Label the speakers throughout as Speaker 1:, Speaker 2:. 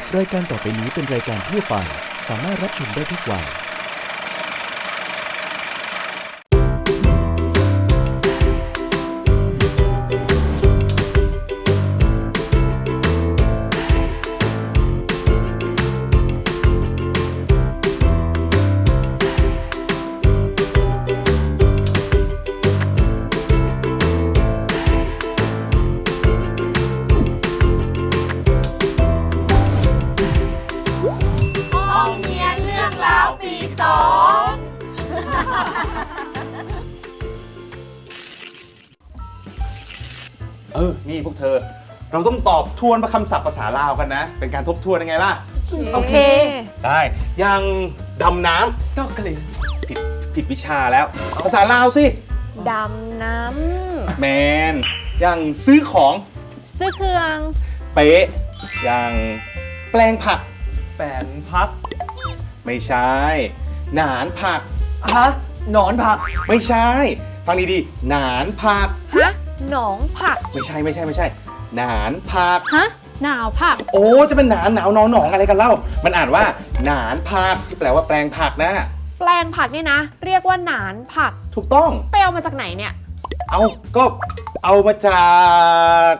Speaker 1: รายการต่อไปนี้เป็นรายการทั่วไปสามารถรับชมได้ทุกวัย
Speaker 2: นี่พวกเธอเราต้องตอบทวนคำศัพท์ภาษาลาวกันนะเป็นการทบทวนยังไงล่ะ
Speaker 3: โอเค
Speaker 2: ได้อย่างดำน้ำ
Speaker 3: snorkeling
Speaker 2: ผิดวิชาแล้วภาษาลาวสิ
Speaker 4: ดำน้
Speaker 2: แมนอย่างซื้อของ
Speaker 3: ซื้อเครื่อง
Speaker 2: เป๊ะอย่างแปลงผัก
Speaker 3: แปลงพัก
Speaker 2: ไม่ใช่หนานผัก
Speaker 3: ฮะหนอนผัก
Speaker 2: ไม่ใช่ฟังดีๆหนานผัก
Speaker 4: ฮะหนองผัก
Speaker 2: ไม่ใช่หนานผัก
Speaker 3: ฮะหนาวผัก
Speaker 2: โอ้จะเป็นหนานหนาวหนองอะไรกันเล่ามันอ่านว่าหนานผักที่แปลว่าแปลงผักนะ
Speaker 4: แปลงผักนี่นะเรียกว่าหนานผัก
Speaker 2: ถูกต้อง
Speaker 4: ไปเอามาจากไหนเนี่ย
Speaker 2: ก็เอามาจาก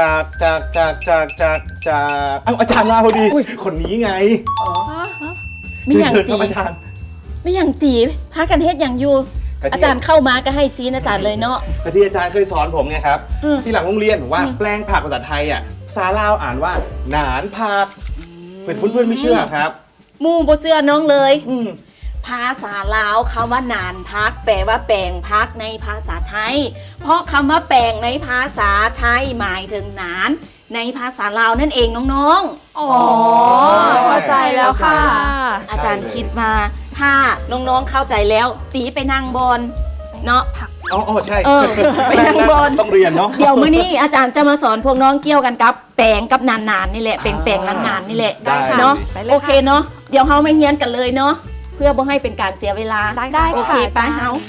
Speaker 2: อาจารย์มาพอดีคนนี้ไง
Speaker 5: ไม่อย่างตีไม่อย่างตีพากันเฮ็ดอย่างอยู่อาจารย์เข้ามาก็ให้ซีนอาจารย์เลยเนาะ
Speaker 2: ที่อาจารย์เคยสอนผมไงครับที่หลังโรงเรียนผมว่าแปลงผักภาษาไทยอ่ะภาษาลาวอ่านว่าหนานผักเพื่อนไม่เชื่อครับ
Speaker 5: มูบ่เชื่อน้องเลยภาษาลาวคำว่าหนานพักแปลว่าแปลงพักในภาษาไทยเพราะคำว่าแปลงในภาษาไทยหมายถึงหนานในภาษาลาวนั่นเองน้องๆ
Speaker 4: อ๋อเข้าใจแล้วค่ะ
Speaker 5: อาจารย์คิดมาถ้าน้องๆเข้าใจแล้วตีไปนั่งบนเนาะ
Speaker 2: อ๋อใช่
Speaker 5: ไปนั่งบน
Speaker 2: ต้องเรียนเนาะ
Speaker 5: เดี๋ยวมื้อนี้อาจารย์จะมาสอนพวกน้องเกี่ยวกันกับแปลงกับนานๆนี่แหละแปลงนานๆนี่แหละเนาะโอเคเนาะเดี๋ยวเฮามาเรียนกันเลยเนาะเพื่อบ่ให้เป็นการเสียเวลา
Speaker 4: ได้
Speaker 5: โอเคไปเฮา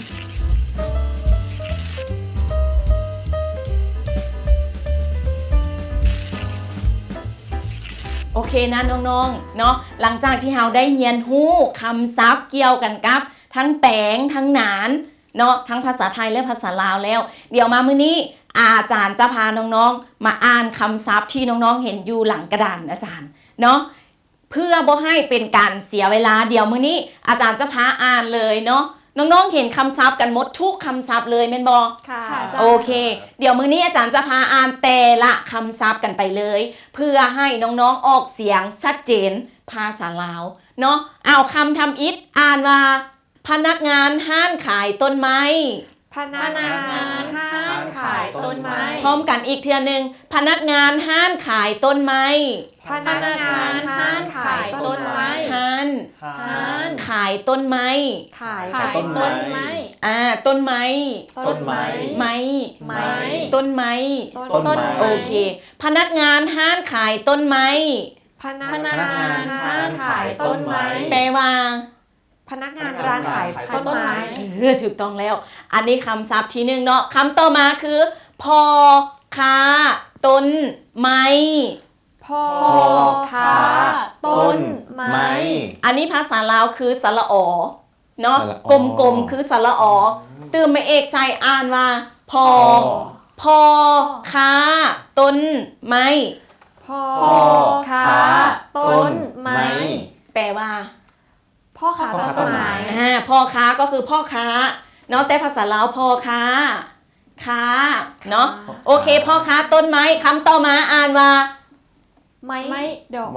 Speaker 5: โอเคนะน้องๆเนาะหลังจากที่เราได้เรียนรู้คำศัพท์เกี่ยวกันกับทั้งแปลงทั้งหนานเนาะทั้งภาษาไทยและภาษาลาวแล้วเดี๋ยวมามื้อนี้อาจารย์จะพาน้องๆมาอ่านคำศัพท์ที่น้องๆเห็นอยู่หลังกระดานอาจารย์เนาะเพื่อบ่ให้เป็นการเสียเวลาเดี๋ยวมื้อนี้อาจารย์จะพาอ่านเลยเนาะน้องๆเห็นคำศัพท์กันหมดทุกคำศัพท์เลยแม่นบ่
Speaker 4: ค่ะ
Speaker 5: โอเคเดี๋ยวมื้อนี้อาจารย์จะพาอ่านแต่ละคำศัพท์กันไปเลยเพื่อให้น้องๆออกเสียงชัดเจนภาษาลาวเนาะเอาคำทำอิฐอ่านว่าพนักงานห้านขายต้นไม้
Speaker 4: พนักงานห้านขายต้นไม้
Speaker 5: พร้อมกันอีกเทื่อนึงพนักงานห้านขายต้นไม้
Speaker 4: พนักงานห้านขายต้นไม้
Speaker 5: ห้านขายต้นไม้
Speaker 4: ขายต้นไม้
Speaker 5: ต้นไม้
Speaker 4: ต้นไม้
Speaker 5: ไม้ต้นไม้โอเคพนักงานห้านขายต้นไม้
Speaker 4: พนักงานห้านขายต้นไม้
Speaker 5: แปลว่า
Speaker 4: พนักงานร้านขายต้นไม้
Speaker 5: ถูกต้องแล้วอันนี้คำศัพท์ที่หนึ่งเนาะคำต่อมาคือพ่อค้าต้นไม้
Speaker 4: พ่อค้าต้นไม้
Speaker 5: อันนี้ภาษาลาวคือสระอเนาะกลมๆคือสระอตื่นมาเอกใส่อ่านว่าพ่อค้าต้นไม้
Speaker 4: พ่อค้าต้นไม้
Speaker 5: แปลว่า
Speaker 4: พ่อค้าต้นไม้
Speaker 5: พ่อค้าก็คือพ่อค้าเนาะแต่ภาษาลาวพ่อค้าเนาะโอเคพ่อค้าต้นไม้คำต่อมาอ่านว่า
Speaker 4: ไม้ดอก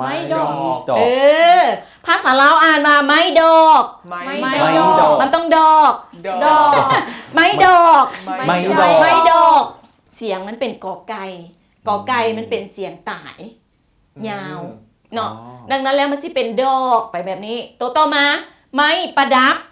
Speaker 5: ภาษาลาวอ่านว่าไม้ดอกมันต้องดอกไม้ดอกเสียงมันเป็นกอไก่มันเป็นเสียงต่ายยาวเนาะดังนั้นแล้วมันสิเป็นดอกไปแบบนี้ตัวต่อมาไม้ประดับ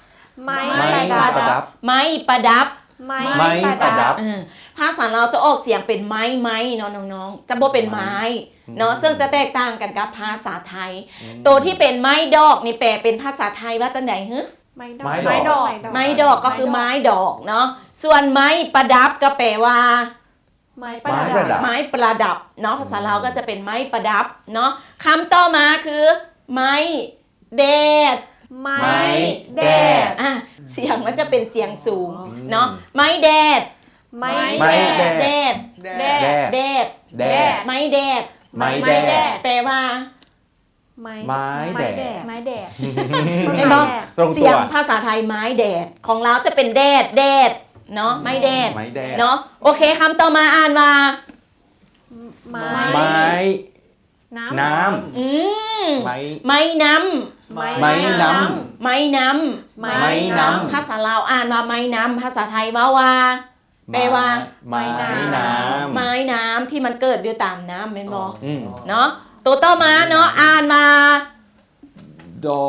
Speaker 5: ภาษาเราจะออกเสียงเป็นไม้เนาะน้องๆจะบ่เป็นไม้เนาะซึ่งจะแตกต่างกันกับภาษาไทยตัวที่เป็นไม้ดอกนี่แปลเป็นภาษาไทยว่าจังได๋ฮึ
Speaker 4: ไม้ดอก
Speaker 5: ก็คือไม้ดอกเนาะส่วนไม้ประดับก็แปลว่า
Speaker 4: ไม้
Speaker 2: ไม้ประดับ
Speaker 5: ไม้ประดับเนาะภาษาลาวก็จะเป็นไม้ประดับเนาะคำต่อมาคือไม้แดด
Speaker 4: ไม้
Speaker 2: แดด
Speaker 5: อ่ะเสียงมันจะเป็นเสียงสูงเนาะไม้แดด
Speaker 4: ไม้
Speaker 2: ไม้แดด
Speaker 5: แดด
Speaker 3: แด
Speaker 2: แด
Speaker 3: ด
Speaker 2: ด
Speaker 5: แดด
Speaker 2: แดด
Speaker 5: ไม้แดด
Speaker 2: ไม้แดด
Speaker 5: แปลว่า
Speaker 4: ไม้
Speaker 2: ไม้แดด
Speaker 3: ไม้แดด
Speaker 4: ต้น
Speaker 5: เห็น
Speaker 4: ไม้
Speaker 5: ปะ
Speaker 4: แดด
Speaker 2: ตรง
Speaker 5: เสี
Speaker 2: ตั
Speaker 5: ยว งภาษาไทยไม้แดดของเราจะเป็นแดดแดดเนาะไม้แดด
Speaker 2: ไม้แดด
Speaker 5: เนาะโอเคคำต่อมาอ่านว่า
Speaker 4: ไม้
Speaker 2: ไม้ น้
Speaker 5: อืม
Speaker 2: ำไม้
Speaker 5: ไม้น้
Speaker 2: ไม้น้
Speaker 5: ำไม้น้
Speaker 2: ไม้น้
Speaker 5: ำภาษาลาวอ่านว่าไม้น้ำภาษาไทยว่า
Speaker 2: ำ
Speaker 5: แปลว่า
Speaker 2: ไม้น้ำ
Speaker 5: ไม้น้ำที่มันเกิดอยู่ตามน้ำเป็นบอ
Speaker 2: อืม
Speaker 5: เนาะตัวต่อมาเนาะอ่านมา
Speaker 2: ดอก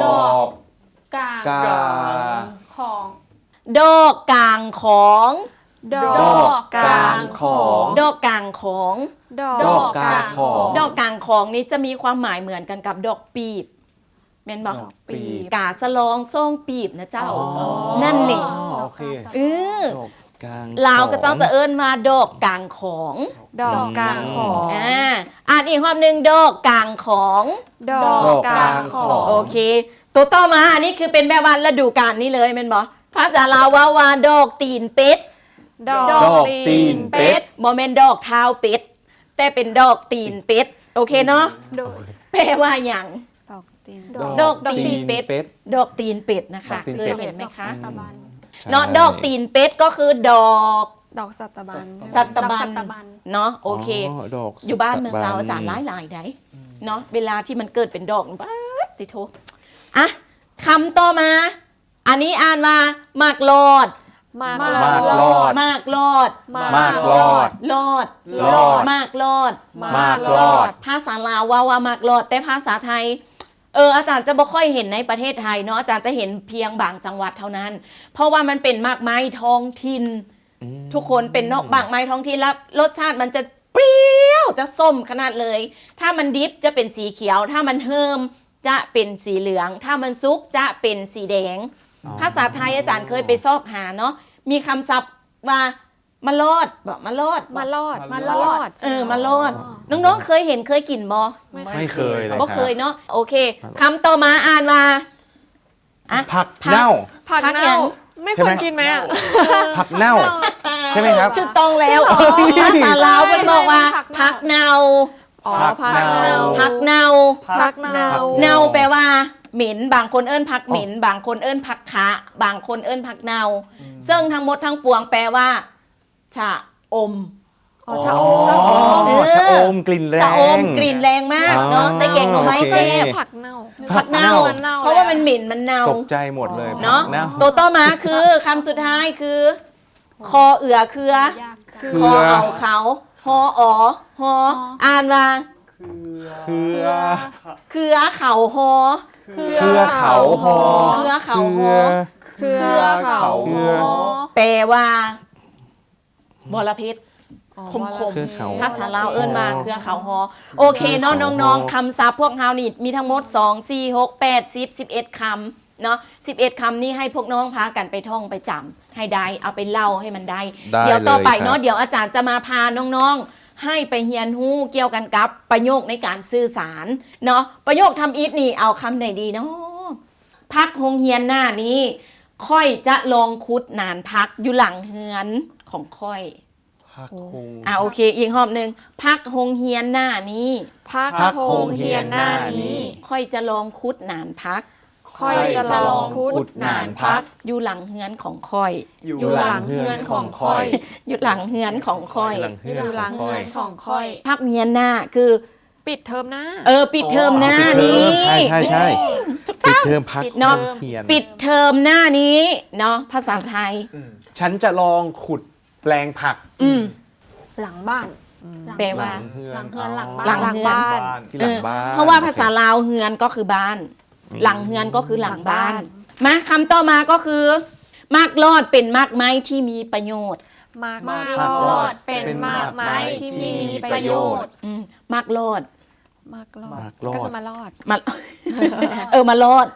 Speaker 3: กลาง
Speaker 2: กา
Speaker 3: ของ
Speaker 5: ดอกกลางของ
Speaker 4: ดอ
Speaker 2: ดอก ก
Speaker 4: ก
Speaker 2: ก
Speaker 4: ลา
Speaker 2: ลาง งของ
Speaker 5: ดอกกลางของ
Speaker 4: ด
Speaker 2: ด
Speaker 4: อ
Speaker 2: อก กกลางของ
Speaker 5: ดอกกลางของนี้จะมีความหมายเหมือนกันกับดอกปีบเป็นบอก
Speaker 2: ดอกปีบ
Speaker 5: กาสะลองส่งปีบนะเจ้า
Speaker 2: อ๋อ
Speaker 5: นั่นนี่
Speaker 2: โอเค
Speaker 5: เออ
Speaker 2: ดอกกลาง
Speaker 5: ลาวก็เจ้าจะเอิ้นมาดอกกลางของ
Speaker 4: ดอกกลางของ
Speaker 5: อ่านอีกรอบหนึ่งดอกกลางของ
Speaker 4: ดอกกลางของ
Speaker 5: โอเค ตัวต่อมาอันนี้คือเป็นแบบว่าฤดูกาลนี่เลยแมันบอกภาษาลาวว่าดอกตีนเป็ด
Speaker 4: ดอก
Speaker 2: ดอกตีนเป็ด
Speaker 5: บ่แม่นดอกเท้าเป็ด แต่เป็นดอกตีนเป็ด โอเคเนาะ
Speaker 3: โดย
Speaker 5: แปลว่าอย่าง
Speaker 4: ดอกตีน
Speaker 5: ดอกตีนเป็ด
Speaker 2: เป็ด
Speaker 5: ดอกตีนเป็ดนะคะ
Speaker 2: ดอกตีน
Speaker 5: เค
Speaker 2: เป็
Speaker 5: ย
Speaker 2: ด
Speaker 5: เห็นไหมคะ
Speaker 3: ตะบัน
Speaker 5: เนาะดอกตีนเป็ดก็คือดอก
Speaker 4: ดอกสัตบัน
Speaker 5: สัตบัน
Speaker 3: ดอกสัตบัน
Speaker 5: เนาะโอเค
Speaker 2: ดอก
Speaker 5: อยู่บ้านเมืองเรา
Speaker 2: สัตบัน
Speaker 5: อาจารย์หลายๆได้เนาะเวลาที่มันเกิดเป็นดอกบ้าดติโทอ่ะคำต่อมา อันนี้อ่านว่าหมากลอด
Speaker 4: มาก
Speaker 2: มากลอด
Speaker 5: หมากลอด
Speaker 2: มากลอด
Speaker 5: ลอด
Speaker 2: ลอด
Speaker 5: หมากลอด
Speaker 2: มากลอด
Speaker 5: ภาษาลาวว่าหมากลอด แต่ภาษาไทยอาจารย์จะบ่ค่อยเห็นในประเทศไทยเนาะอาจารย์จะเห็นเพียงบางจังหวัดเท่านั้น เพราะว่ามันเป็นหมากไม้ท้องถิ่นทุกคนเป็นนอกหมากไม้ท้องถิ่นแล้วรสชาติมันจะเปรี้ยวจะส้มขนาดเลย ถ้ามันดิบจะเป็นสีเขียว ถ้ามันเฮิมจะเป็นสีเหลือง ถ้ามันซุกจะเป็นสีแดง ภาษาไทยอาจารย์เคยไปซอกหาเนาะมีคำศัพท์ว่ามาลอดบอกมาลอด
Speaker 4: มาลอด
Speaker 3: มาลอด
Speaker 5: มาลอดน้องๆเคยเห็นเคยกินบ่
Speaker 2: ไม่เคยเลย
Speaker 5: บ่
Speaker 2: ค
Speaker 5: เค
Speaker 2: รั
Speaker 5: ยเนาะโอเคคำต่อมาอ่านว่าอ่ะ
Speaker 2: ผักเน่า
Speaker 4: ผัก
Speaker 5: ผักหยั
Speaker 4: เน่าง ไม่ควรกินไหมอ่ะ
Speaker 2: ผักเน่า ใช่ไหมครับ
Speaker 5: ถูกต้องแล้ว
Speaker 4: จริงเหรอ
Speaker 5: ภาษาลาวมันบอกว่า
Speaker 3: ผั
Speaker 5: ผั
Speaker 3: ก
Speaker 5: ก
Speaker 3: เน่า
Speaker 5: เนา
Speaker 4: อ๋อ
Speaker 2: ผั
Speaker 4: ผั
Speaker 2: ก
Speaker 4: ก
Speaker 2: เน่า
Speaker 4: เน่า
Speaker 5: ผักเนา
Speaker 4: ผักเน่า
Speaker 5: เนาแปลว่าเหม็นบางคนเอิ้นผักเหม็น บางคนเอิ้นผักคะบางคนเอิ้นผักเนาซึ่งทั้งหมดทั้งปวงแปลว่าชะอม
Speaker 4: อ๋อชะอม
Speaker 2: ชะอมกลิ่นแรง
Speaker 5: ชะอมกลิ่นแรงมากเนาะ
Speaker 2: อ๋อ
Speaker 5: ใส่แกงหน่อไม้
Speaker 2: โอเค
Speaker 5: แซ่บ
Speaker 4: ผักเน่า
Speaker 5: ผักเน่า
Speaker 3: มันเน่า
Speaker 5: เพราะว่ามันเหม็นมันเน่า
Speaker 2: ตกใจหมดเลย
Speaker 5: เนาะ
Speaker 2: ผักเน่า
Speaker 5: ตัวต่อมาคือคำสุดท้ายคือ คอเอือเครือ
Speaker 3: ยาก
Speaker 2: เครื
Speaker 5: คอเอาเขาฮออ๋อฮออ่านว่า
Speaker 2: เครือ
Speaker 5: เครือเขาฮอ
Speaker 2: เครือเขาหอ
Speaker 5: เครือเขาฮอ
Speaker 4: เครือเขา
Speaker 2: เครือ
Speaker 5: แปลว่าบรพิษ คม
Speaker 2: เครือเขา
Speaker 5: ภาษาลาวเอิ้นมาเครือเขาฮอโอเคเนาะน้องๆคำศัพท์พวกเฮานี่มีทั้งหมด2 4 6 8 10 11คำเนาะ11คำนี้ให้พวกน้องพากันไปท่องไปจำให้ได้เอาไปเล่าให้มันได้
Speaker 2: ได้
Speaker 5: เดี๋ยวต่อไป
Speaker 2: เลยครับ
Speaker 5: เนาะเดี๋ยวอาจารย์จะมาพาน้องๆ ให้ไปเรียนรู้เกี่ยวกันกับประโยคในการสื่อสารเนาะประโยคทำอีทนี่เอาคำไหนดีเนาะพักโรงเรียนหน้านี้ ค่อยจะลองคุดนานพักอยู่หลังเฮือนของค่อย
Speaker 2: ผักคง
Speaker 5: โอเคอีกรอบหนึ่งพักโรงเรียนหน้านี้
Speaker 4: พัก
Speaker 2: พัก
Speaker 4: โฮ
Speaker 2: โฮ
Speaker 4: ง
Speaker 2: งเฮี
Speaker 4: เฮีย
Speaker 2: ย
Speaker 4: น
Speaker 2: น
Speaker 4: ห
Speaker 2: ห
Speaker 4: น้า
Speaker 2: น้านี้
Speaker 4: นี้
Speaker 5: ค่อยจะลองคุดนานพัก
Speaker 4: ค่อยจะลองคุดหนานพัก
Speaker 5: อยู่หลังเฮือนของค่อย
Speaker 4: อยู่หลังเฮือนของค่อย
Speaker 5: อยู่หลังเฮือนของค่อย
Speaker 4: อยู่หลังเฮือนของค่อย
Speaker 5: พักเรียนหน้าคือ
Speaker 4: ปิดเทอมหน้า
Speaker 5: ปิดเทอมหน้า
Speaker 2: ปิดเทอ
Speaker 5: นี้
Speaker 2: มใช่ใช่ใช่ปิดเทอมพัก
Speaker 5: เนาะ
Speaker 2: เฮียน
Speaker 5: ปิดเทอมหน้านี้เนาะภาษาไทย
Speaker 2: ฉันจะลองขุดแปลงผัก
Speaker 3: หลังบ้าน
Speaker 5: แปลว่า
Speaker 3: หลังเฮือนหลัง
Speaker 5: หลั
Speaker 3: บ้าน
Speaker 5: งเฮือน
Speaker 4: บ้าน
Speaker 2: ที่หลังบ้าน
Speaker 5: เพราะว่าภาษาลาวเฮือนก็คือบ้าน หลังเฮือนก็คือหลังบ้าน มาคำต่อมาก็คือมากลอดเป็นมากไม้ที่มีประโยชน์
Speaker 4: มาก
Speaker 3: มาก
Speaker 4: ล
Speaker 3: ล
Speaker 4: อ
Speaker 3: อ
Speaker 4: ด
Speaker 3: ด
Speaker 4: เป็นมากไม้ที่มีประโยชน์
Speaker 5: มากลอด
Speaker 4: มากลอด
Speaker 2: มากลอด
Speaker 4: ก็คือมาลอด
Speaker 5: มา มาลอด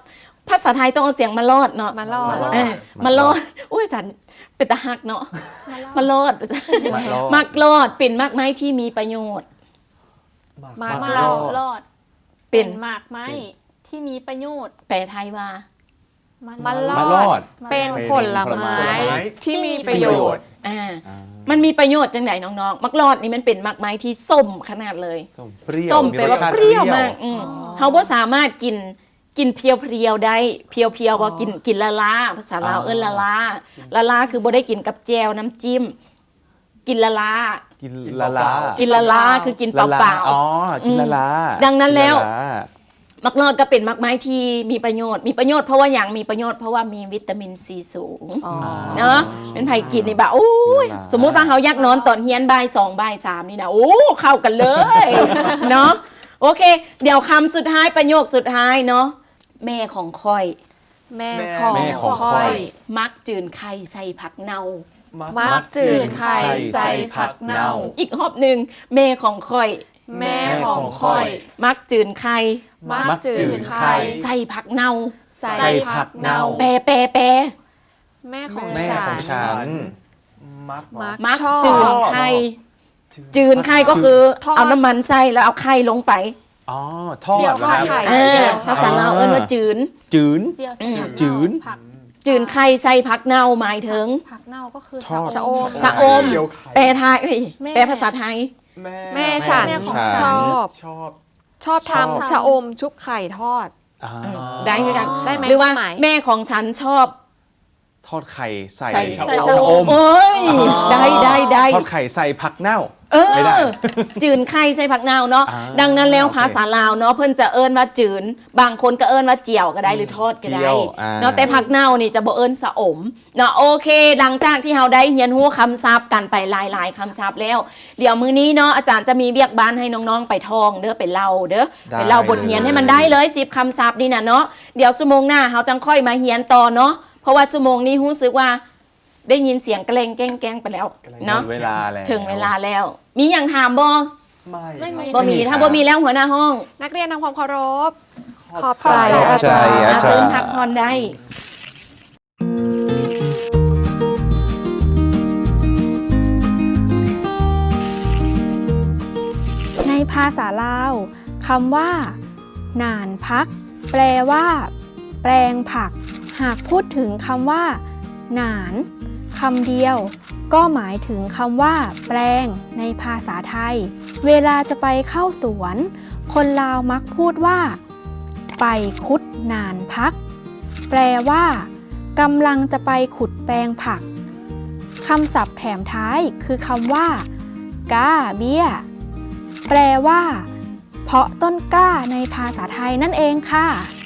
Speaker 5: ภาษาไทยต้องเอาเสียงมาลอดเนาะ
Speaker 4: มาลอด
Speaker 5: มาลอดอุ้ยอาจารย์เป็นตาหักเนาะมาลอด มักลอดเป็นมากไม้ที่มีประโยชน์
Speaker 4: มาก
Speaker 3: มา
Speaker 4: ลอด
Speaker 3: รอด
Speaker 5: เป็น
Speaker 3: หมากไม้ที่มีประโยชน์
Speaker 5: แปลไทยว่า
Speaker 4: มาล
Speaker 2: มาล
Speaker 4: อ
Speaker 2: อ
Speaker 4: ด
Speaker 2: ด
Speaker 4: เป็นผลไม้ที่มีประโยชน์
Speaker 5: มันมีประโยชน์จังไหนน้องๆมักลอดนี่มันเป็นมากไม้ที่ส้มขนาดเลย
Speaker 2: เปรี้ยว
Speaker 5: ส้มแปลว่าเปรี้ยวมาก
Speaker 2: มีรสชติ
Speaker 5: เขาบ่สามารถกินเพียวๆได้เพียวๆว่ากินละลาภาษาลาวเอิ้นละลาคือบ่ได้กินกับแจวน้ำจิ้มกินละลา
Speaker 2: กินละลา
Speaker 5: กินละลาคือกินเปล่า
Speaker 2: อ๋อกินละลา
Speaker 5: ดังนั้นแล้ว
Speaker 2: กิละา
Speaker 5: มักลอดก็เป็นมักไม้ที่มีประโยชน์เพราะว่าอย่างมีประโยชน์เพราะว่ามีวิตามินซีสูงเนาะเป็นไผกินนี่แบบโอ้ยสมมุติว่าเขาอยากนอนตอนเฮียนบ่าย2บ่าย3นี่นะโอ้เข้ากันเลยเนาะโอเค เดี๋ยวคำสุดท้ายประโยคสุดท้ายเนาะแม่ของค่อย
Speaker 4: แม่ของ
Speaker 2: แม่ของ
Speaker 4: ค่อย
Speaker 5: มักจืนไข่ใส่ผักเนา
Speaker 4: มักจืดไข่ใส่ผักเน่า
Speaker 5: อีกรอบหนึ่งแม่ของค่อย
Speaker 4: แม่ของค่อย
Speaker 5: มักจืนไข่
Speaker 4: มักจืดไข่
Speaker 5: ใส่ผักเนา
Speaker 4: ใส่ผักเน่า
Speaker 5: แปร
Speaker 4: แม่ของ
Speaker 2: แม่
Speaker 4: ฉั
Speaker 2: ของฉัน
Speaker 5: มัก
Speaker 4: ชอบ
Speaker 5: จืนไข่จืนไข่ก็คือ
Speaker 4: ทอด
Speaker 5: เอาน้ำมันใส่แล้วเอาไข่ลงไป
Speaker 2: อ๋อทอด
Speaker 4: เจียว
Speaker 2: เหรอครับ
Speaker 4: ทอดไข่
Speaker 5: ภาษาลาวเอิ้นว่าจืน
Speaker 2: จืน
Speaker 3: เจียว
Speaker 2: จืด
Speaker 3: ผัก
Speaker 5: จืนไข่ใส่ผักเน่าหมายถึง
Speaker 3: ผักเน่าก็คือ
Speaker 2: ทอด
Speaker 4: ชะอม
Speaker 5: ชะอม
Speaker 2: เจียวไข่
Speaker 5: แปลไทยเอ้ย
Speaker 3: แม่
Speaker 5: แปลภาษาไทย
Speaker 4: แม่ฉัน
Speaker 3: แม่ของ
Speaker 4: ชอบ
Speaker 2: ชอบ
Speaker 4: ชอบทำชะอมชุบไข่ทอด
Speaker 2: อ่า
Speaker 5: ได้คือกัน
Speaker 4: ได้ไหม
Speaker 5: หรือว่า
Speaker 4: ความหมาย
Speaker 5: แม่ของฉันชอบ
Speaker 2: ทอดไข่ใส่
Speaker 5: ใส่
Speaker 2: ชะ
Speaker 3: ใส่
Speaker 2: ชะอม
Speaker 5: โอ้ยได้
Speaker 2: ทอดไข่ใส่ผักเน่า
Speaker 5: เอ
Speaker 2: ไม่ได้
Speaker 5: อจืนไข่ใส่ผักเน่าเนาะ
Speaker 2: อ่า
Speaker 5: ดังนั้นแล้ว
Speaker 2: โอเค
Speaker 5: ภาษาลาวเนาะเพิ่นจะเอิ้นว่าจืนบางคนก็เอิ้นว่าเจียวก็ได้หรือทอดก็
Speaker 2: เจี
Speaker 5: ได้
Speaker 2: ยวอ่า
Speaker 5: เนาะแต่ผักเน่านี่จะบ่เอิ้นสะอมเนาะโอเค หลังจากที่เราได้เรียนรู้คำศัพท์กันไปหลายๆคำศัพท์แล้ว เดี๋ยวมื้อนี้เนาะอาจารย์จะมีเรียกบ้านให้น้องๆไปท่องเด้อไปเล่าเด้อไปเล่าบทเรียนให้มันได้เลย10คำศัพท์นี่นะเนาะเดี๋ยวชั่วโมงหน้าเราจังค่อยมาเรียนต่อเนาะเพราะว่าชั่วโมงนี้รู้สึกว่าได้ยินเสียงเกรงแกล้งไปแล้วเนาะ
Speaker 2: ถึงเวลาแล้ว
Speaker 5: ถึงเวลาแล้ว มีอย่างถามบ่
Speaker 3: ไม่มี
Speaker 5: บ่มีถ้าบ่มีแล้วหัวหน้าห้อง
Speaker 4: นักเรียนทำความเคารพ ขอบ
Speaker 2: ขอบ
Speaker 4: ใจ
Speaker 2: ใจ
Speaker 4: อาจารย์
Speaker 2: อาจารย์
Speaker 5: เชิญพักผ่อนได้
Speaker 3: ในภาษาลาวคำว่าหน่านพัก แปลว่า แปลงผัก หากพูดถึงคำว่าหน่านคำเดียว ก็หมายถึงคำว่า แปลงในภาษาไทย เวลาจะไปเข้าสวน คนลาวมักพูดว่า ไปคุดหน่านพัก แปลว่ากำลังจะไปขุดแปลงผักคำศัพท์แถมท้ายคือคำว่ากาเบี้ย แปลว่า เพาะต้นกล้าในภาษาไทยนั่นเองค่ะ